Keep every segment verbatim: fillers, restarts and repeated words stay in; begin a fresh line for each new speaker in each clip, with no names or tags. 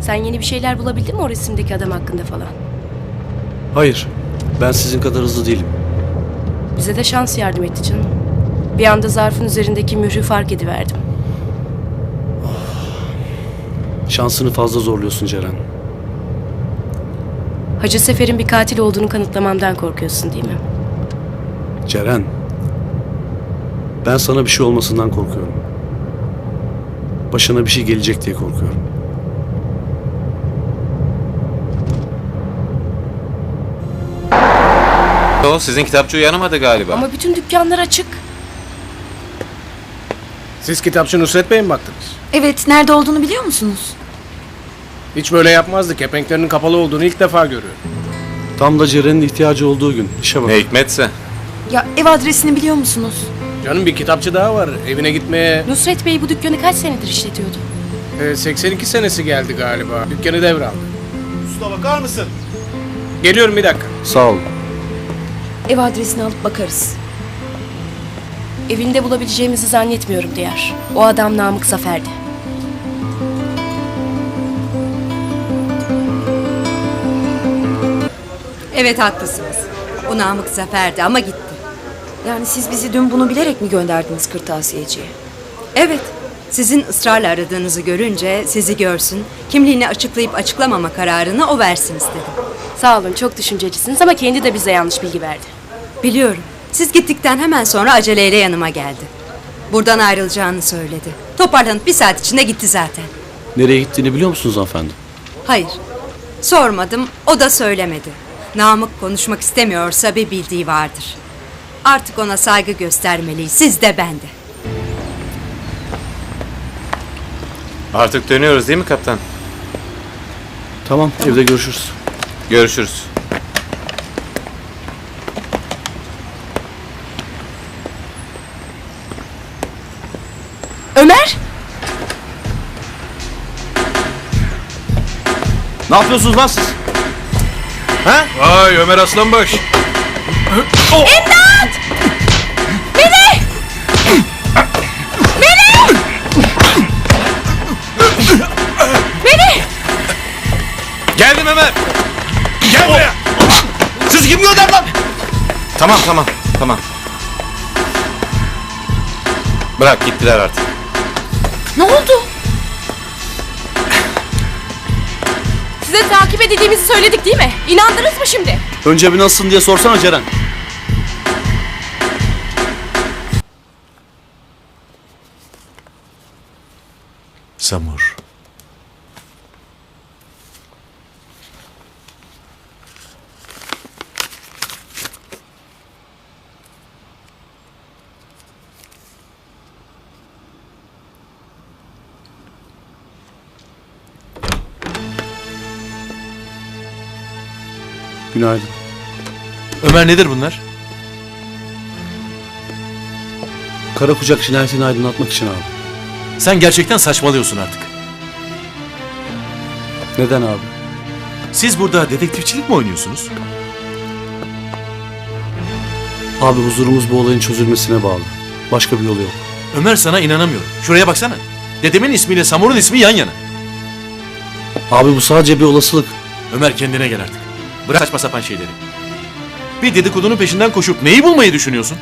Sen yeni bir şeyler bulabildin mi o resimdeki adam hakkında falan?
Hayır. Ben sizin kadar hızlı değilim.
Bize de şans yardım etti canım. Bir anda zarfın üzerindeki mührü fark ediverdim.
Şansını fazla zorluyorsun Ceren.
Hacı Sefer'in bir katil olduğunu kanıtlamamdan korkuyorsun değil mi?
Ceren. Ben sana bir şey olmasından korkuyorum. Başına bir şey gelecek diye korkuyorum.
O sizin kitapçı uyanamadı galiba.
Ama bütün dükkanlar açık.
Siz kitapçı Nusret Bey'e mi baktınız?
Evet, nerede olduğunu biliyor musunuz?
Hiç böyle yapmazdı. Kepenklerinin kapalı olduğunu ilk defa görüyorum.
Tam da Ceren'in ihtiyacı olduğu gün. İşe bak.
Ne hikmetse.
Ya ev adresini biliyor musunuz?
Canım bir kitapçı daha var. Evine gitmeye
Nusret Bey bu dükkanı kaç senedir işletiyordu?
e, seksen iki senesi geldi galiba. Dükkanı devraldı.
Usta bakar mısın?
Geliyorum bir dakika.
Sağ ol.
Ev adresini alıp bakarız.
Evinde bulabileceğimizi zannetmiyorum Diyar. O adam Namık Zafer'di.
Evet haklısınız. O Namık Zafer'di ama gitti.
Yani siz bizi dün bunu bilerek mi gönderdiniz kırtasiyeciye?
Evet. Sizin ısrarla aradığınızı görünce sizi görsün, kimliğini açıklayıp açıklamama kararını o versin istedim.
Sağ olun, çok düşüncelisiniz ama kendi de bize yanlış bilgi verdi.
Biliyorum. Siz gittikten hemen sonra aceleyle yanıma geldi. Buradan ayrılacağını söyledi. Toparlanıp bir saat içinde gitti zaten.
Nereye gittiğini biliyor musunuz hanımefendi?
Hayır. Sormadım, o da söylemedi. Namık konuşmak istemiyorsa bir bildiği vardır. Artık ona saygı göstermeliyiz, siz de ben de.
Artık dönüyoruz değil mi kaptan?
Tamam, evde görüşürüz.
Görüşürüz.
Ömer!
Ne yapıyorsunuz lan siz? Ha?
Vay Ömer Aslanbaş.
Geldim Ömer.
Gel buraya.
Siz kim gönder lan? Tamam tamam tamam. Bırak gittiler artık.
Ne oldu? Size takip edildiğimizi söyledik değil mi? İnandınız mı şimdi?
Önce bir nasılsın diye sorsana Ceren.
Samur.
Günaydın.
Ömer nedir bunlar?
Kara kucak cinayetini aydınlatmak için abi.
Sen gerçekten saçmalıyorsun artık.
Neden abi?
Siz burada dedektifçilik mi oynuyorsunuz?
Abi huzurumuz bu olayın çözülmesine bağlı. Başka bir yolu yok.
Ömer sana inanamıyorum. Şuraya baksana. Dedemin ismiyle Samur'un ismi yan yana.
Abi bu sadece bir olasılık.
Ömer kendine gel artık. Bırak saçma sapan şeyleri. Bir dedikodunun peşinden koşup neyi bulmayı düşünüyorsun?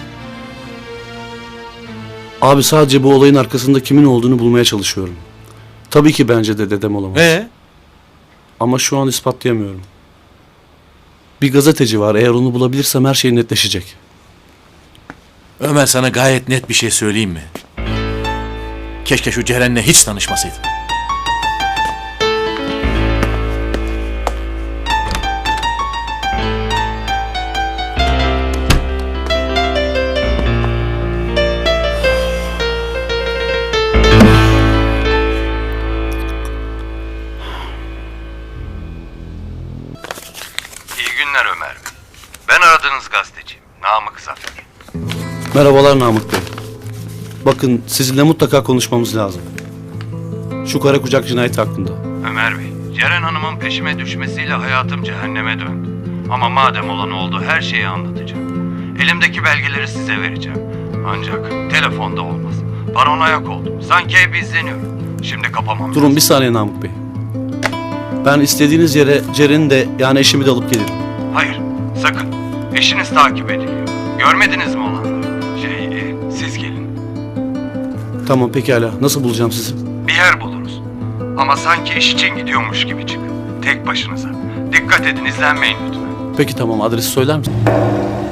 Abi sadece bu olayın arkasında kimin olduğunu bulmaya çalışıyorum. Tabii ki bence de dedem olamaz.
Ee?
Ama şu an ispatlayamıyorum. Bir gazeteci var. Eğer onu bulabilirsem her şey netleşecek.
Ömer sana gayet net bir şey söyleyeyim mi? Keşke şu Ceren'le hiç tanışmasaydın.
İyi günler Ömer Bey. Ben aradığınız gazeteciyim. Namık Zafer.
Merhabalar Namık Bey. Bakın sizinle mutlaka konuşmamız lazım. Şu kara kucak cinayeti hakkında.
Ömer Bey, Ceren Hanım'ın peşime düşmesiyle hayatım cehenneme döndü. Ama madem olan oldu her şeyi anlatacağım. Elimdeki belgeleri size vereceğim. Ancak telefonda olmaz. Paranoyak oldum. Sanki ev izleniyor. Şimdi kapamam
Durun
lazım.
bir saniye Namık Bey. Ben istediğiniz yere Ceren'i de yani eşimi de alıp gelirim.
Hayır, sakın. Eşiniz takip ediliyor. Görmediniz mi olanları? Şey, e, siz gelin.
Tamam pekala. Nasıl bulacağım sizi?
Bir yer buluruz. Ama sanki iş için gidiyormuş gibi çıkın. Tek başınıza. Dikkat edin, izlenmeyin lütfen.
Peki tamam, adresi söyler misin?